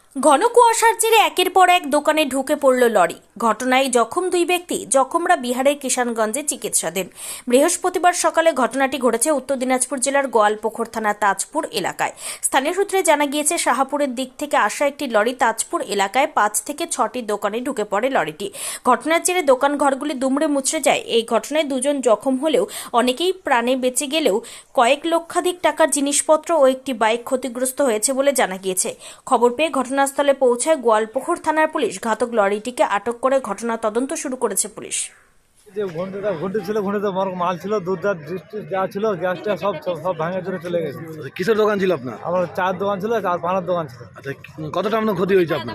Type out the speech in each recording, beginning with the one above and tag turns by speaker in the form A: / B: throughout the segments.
A: ঘন কুয়াশার জেরে একের পর এক দোকানে ঢুকে পড়ল লরি। ঘটনায় জখম দুই ব্যক্তি। জখমরা বিহারের কিষানগঞ্জে চিকিৎসাধীন। বৃহস্পতিবার সকালে ঘটনাটি ঘটেছে উত্তর দিনাজপুর জেলার গোয়ালপুকুর থানা তাজপুর এলাকায়। স্থানীয় সূত্রে জানা গিয়েছে, শাহাপুরের দিক থেকে আসা একটি লরি তাজপুর এলাকায় 5 থেকে 6টি দোকানে ঢুকে পড়ে লরিটি। ঘটনার জেরে দোকান ঘরগুলি দুমড়ে মুচড়ে যায়। এই ঘটনায় দুজন জখম হলেও অনেকেই প্রাণে বেঁচে গেলেও কয়েক লক্ষাধিক টাকার জিনিসপত্র ও একটি বাইক ক্ষতিগ্রস্ত হয়েছে বলে জানা গিয়েছে। খবর পেয়ে ঘটনাস্থলে পৌঁছায় গোয়ালপুকুর থানার পুলিশ। ঘাতক লরিটিকে আটক করে ঘটনা তদন্ত শুরু করেছে পুলিশ।
B: যে ঘন্টি ছিল, ঘন্টিতে মাল ছিল, দুধ যা ছিল, গ্যাসটা সব সব ভাঙে চলে চলে গেছে।
C: কিসের দোকান ছিল আপনার?
B: আমার চার দোকান ছিল আর পানার দোকান ছিল।
C: আচ্ছা, কতটা আপনার ক্ষতি হয়েছে আপনার?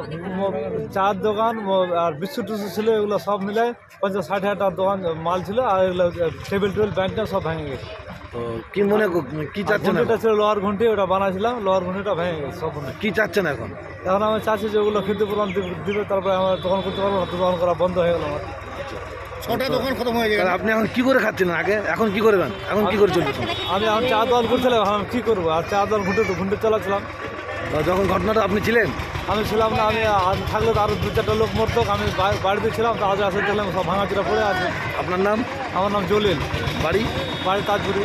B: চার দোকান আর বিস্কুট টিস্কুট ছিল, এগুলো সব মিলে 50-60 হাজার টাকার দোকান মাল ছিল। আর এগুলো টেবিল ব্যান্ডটা সব ভেঙে গেছে।
C: তো কি মনে কি চাচ্ছেন?
B: ঘন্টিটা ছিল লোহার ঘন্টি, ওটা বানাইছিলাম, লোহার ঘন্টিটা ভেঙে গেছে সব।
C: কি চাচ্ছেন এখন?
B: এখন আমি চাচ্ছি যে ওগুলো ক্ষতিপূরণ দিবে, তারপরে আমার দোকান করতে পারবো না, দোকান করা বন্ধ হয়ে গেল আমার।
C: 6টা দোকান খতম হয়ে গেছে। আপনি এখন কি করে খাচ্ছিলেন আগে? এখন কি করবেন? এখন কি করে চলছেন?
B: আমি চা দোকান করছিলাম, আমি কী করবো? আর চা দোকান ঘুঁটে চালাচ্ছিলাম।
C: যখন ঘটনাটা আপনি ছিলেন?
B: আমি ছিলাম না, আমি থাকলে তো আরও 2-4টা লোক মরতো। আমি বাড়িতে ছিলাম, তো আজ আসে দেখলাম সব ভাঙাচোরা পড়ে আছে।
C: আপনার নাম?
B: আমার নাম জলিল,
C: বাড়ি
B: তাজপুরি।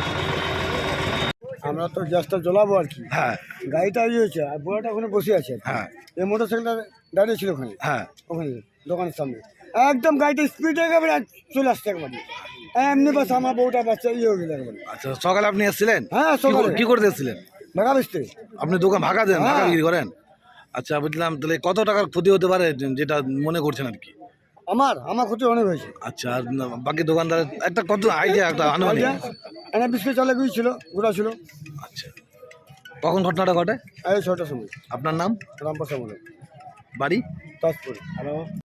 D: আমরা তো গ্যাসটা জ্বলাবো আর কি।
C: হ্যাঁ
D: গাড়িটা হয়েছে আর বুড়াটা ওখানে বসে আছে।
C: হ্যাঁ
D: এই মোটর সাইকেলটা দাঁড়িয়ে ছিল ওখানে,
C: হ্যাঁ।
D: ওখানে দোকানের সামনে একদম গাড়িটা স্পিডে একেবারে চলে আসছে একবারে। এমনি বাস আমার বউটা বাচ্চা হয়ে গেল একবারে।
C: আচ্ছা, সকালে আপনি এসেছিলেন?
D: হ্যাঁ, সকালে।
C: কি করতে এসেছিলেন?
D: ঢাকা বেসতে।
C: আপনি দোকান ভাড়া দেন,
D: হ্যাঁ।
C: ভাড়া বিক্রি করেন? আচ্ছা, বুঝলাম। তাহলে কত টাকার ক্ষতি হতে পারে যেটা মনে করছেন আর কি?
D: আমার ক্ষতি অনেক হয়েছে।
C: আচ্ছা, আর বাকি দোকানদার একটা কত আইডিয়া, একটা আনুমানিক?
D: এনে বিস্কুট চালে গিয়েছিল, ঘোরা ছিল।
C: আচ্ছা, কখন ঘটনাটা ঘটে?
D: এই 6টার সময়।
C: আপনার নাম?
D: রামপ্রসাদ বলে,
C: বাড়ি?
D: তাজপুর।